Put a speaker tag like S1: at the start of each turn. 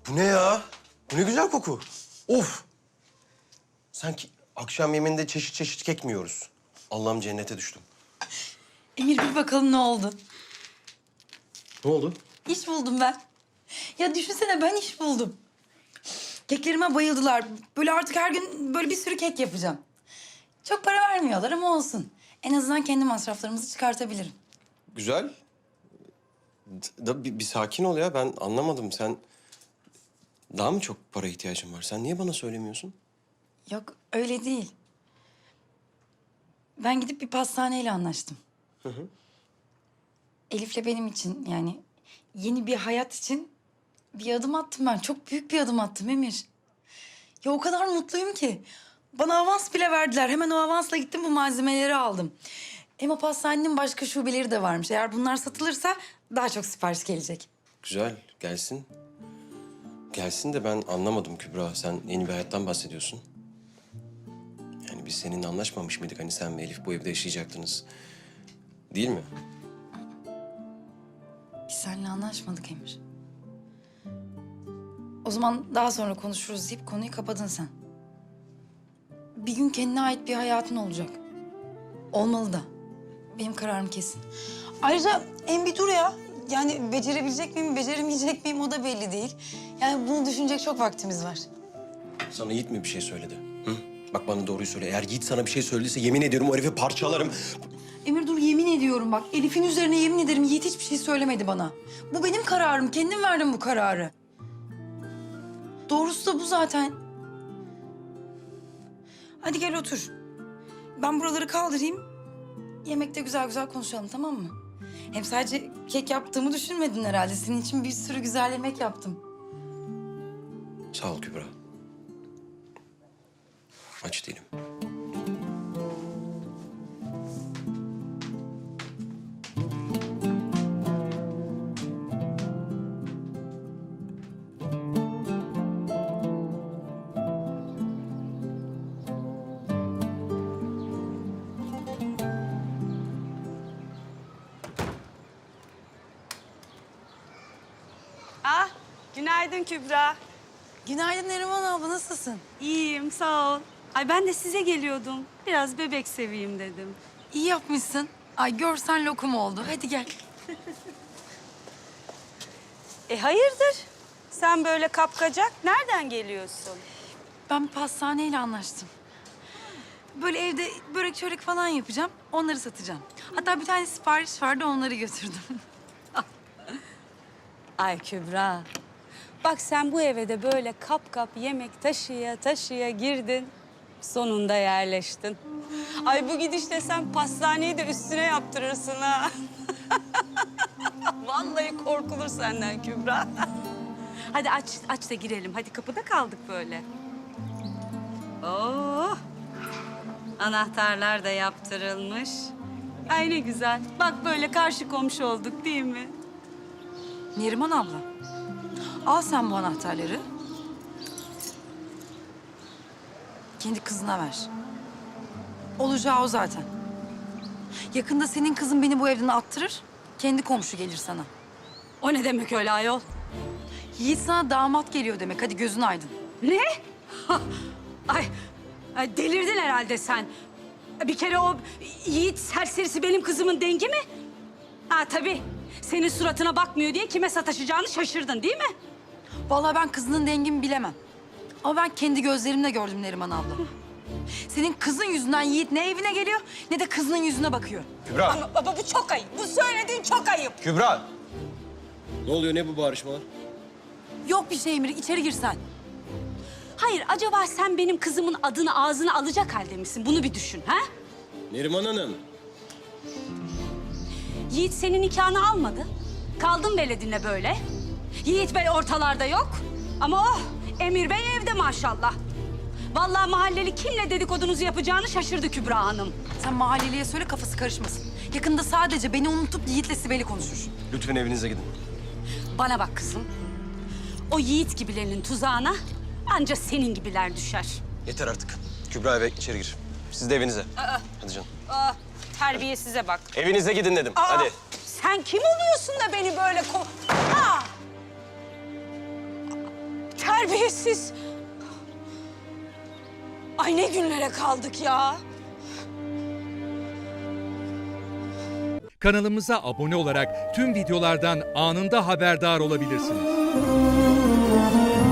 S1: Bu ne ya? Bu ne güzel koku. Of! Sanki akşam yemeğinde çeşit çeşit kek mi yiyoruz? Allah'ım cennete düştüm.
S2: Emir bir bakalım ne oldu?
S1: Ne oldu?
S2: İş buldum ben. Ya düşünsene ben iş buldum. Keklerime bayıldılar. Böyle artık her gün böyle bir sürü kek yapacağım. Çok para vermiyorlar ama olsun. En azından kendi masraflarımızı çıkartabilirim.
S1: Güzel. Bir sakin ol ya. Ben anlamadım. Sen daha mı çok para ihtiyacın var? Sen niye bana söylemiyorsun?
S2: Yok öyle değil. Ben gidip bir pastaneyle anlaştım. Elif'le benim için yani yeni bir hayat için bir adım attım ben. Çok büyük bir adım attım Emir. Ya o kadar mutluyum ki. Bana avans bile verdiler. Hemen o avansla gittim bu malzemeleri aldım. Hem o pastanenin başka şubeleri de varmış. Eğer bunlar satılırsa daha çok sipariş gelecek.
S1: Güzel. Gelsin. Gelsin de ben anlamadım Kübra. Sen yeni bir hayattan bahsediyorsun. Yani biz seninle anlaşmamış mıydık? Hani sen ve Elif bu evde yaşayacaktınız. Değil mi?
S2: Biz seninle anlaşmadık Emir. O zaman daha sonra konuşuruz deyip konuyu kapadın sen. Bir gün kendine ait bir hayatın olacak. Olmalı da. Benim kararım kesin. Ayrıca en bir dur ya. Yani becerebilecek miyim, beceremeyecek miyim o da belli değil. Yani bunu düşünecek çok vaktimiz var.
S1: Sana Yiğit mi bir şey söyledi? Hı? Bak bana doğruyu söyle. Eğer Yiğit sana bir şey söylediyse yemin ediyorum o herifi parçalarım.
S2: Emir dur yemin ediyorum bak. Elif'in üzerine yemin ederim Yiğit hiçbir şey söylemedi bana. Bu benim kararım. Kendim verdim bu kararı. Doğrusu da bu zaten. Hadi gel otur. Ben buraları kaldırayım. Yemekte güzel güzel konuşalım tamam mı? Hem sadece kek yaptığımı düşünmedin herhalde. Senin için bir sürü güzel yemek yaptım.
S1: Sağ ol Kübra. Aç değilim.
S3: Ah, günaydın Kübra.
S2: Günaydın Neriman abla nasılsın?
S3: İyiyim, sağ ol. Ay ben de size geliyordum. Biraz bebek seveyim dedim.
S2: İyi yapmışsın. Ay görsen lokum oldu. Hadi gel.
S3: Hayırdır? Sen böyle kapkacak, nereden geliyorsun?
S2: Ben bir pastaneyle anlaştım. Böyle evde börek çörek falan yapacağım. Onları satacağım. Hatta bir tane sipariş vardı onları götürdüm.
S3: Ay Kübra, bak sen bu eve de böyle kap kap yemek taşıya taşıya girdin. Sonunda yerleştin. Ay bu gidişle sen pastaneyi de üstüne yaptırırsın ha. Vallahi korkulur senden Kübra. Hadi aç da girelim. Hadi kapıda kaldık böyle. Oh! Anahtarlar da yaptırılmış. Ay ne güzel. Bak böyle karşı komşu olduk değil mi?
S2: Neriman abla. Al sen bu anahtarları. Kendi kızına ver. Olacağı o zaten. Yakında senin kızın beni bu evden attırır. Kendi komşu gelir sana.
S3: O ne demek öyle ayol?
S2: Yiğit sana damat geliyor demek. Hadi gözün aydın.
S3: Ne? Ay delirdin herhalde sen. Bir kere o Yiğit serserisi benim kızımın dengi mi? Ha tabii. Senin suratına bakmıyor diye kime sataşacağını şaşırdın değil mi?
S2: Vallahi ben kızının dengimi bilemem. Ama ben kendi gözlerimle gördüm Neriman abla. Senin kızın yüzünden Yiğit ne evine geliyor ne de kızının yüzüne bakıyor.
S1: Kübra!
S3: Ama baba bu çok ayıp. Bu söylediğin çok ayıp.
S1: Kübra! Ne oluyor? Ne bu bağırışmalar?
S2: Yok bir şey Emir, içeri gir sen.
S3: Hayır acaba sen benim kızımın adını ağzına alacak halde misin? Bunu bir düşün ha?
S1: Neriman Hanım.
S3: Yiğit senin nikahını almadı. Kaldın veledinle böyle. Yiğit Bey ortalarda yok. Ama oh Emir Bey evde maşallah. Vallahi mahalleli kimle dedikodunuzu yapacağını şaşırdı Kübra Hanım.
S2: Sen mahalleliye söyle kafası karışmasın. Yakında sadece beni unutup Yiğit'le Sibel'i konuşur.
S1: Lütfen evinize gidin.
S3: Bana bak kızım. O Yiğit gibilerinin tuzağına anca senin gibiler düşer.
S1: Yeter artık. Kübra eve içeri gir. Siz de evinize. Hadi canım.
S3: Terbiyesize bak.
S1: Evinize gidin dedim. Hadi.
S3: Sen kim oluyorsun da beni böyle Terbiyesiz. Ay ne günlere kaldık ya.
S4: Kanalımıza abone olarak tüm videolardan anında haberdar olabilirsiniz.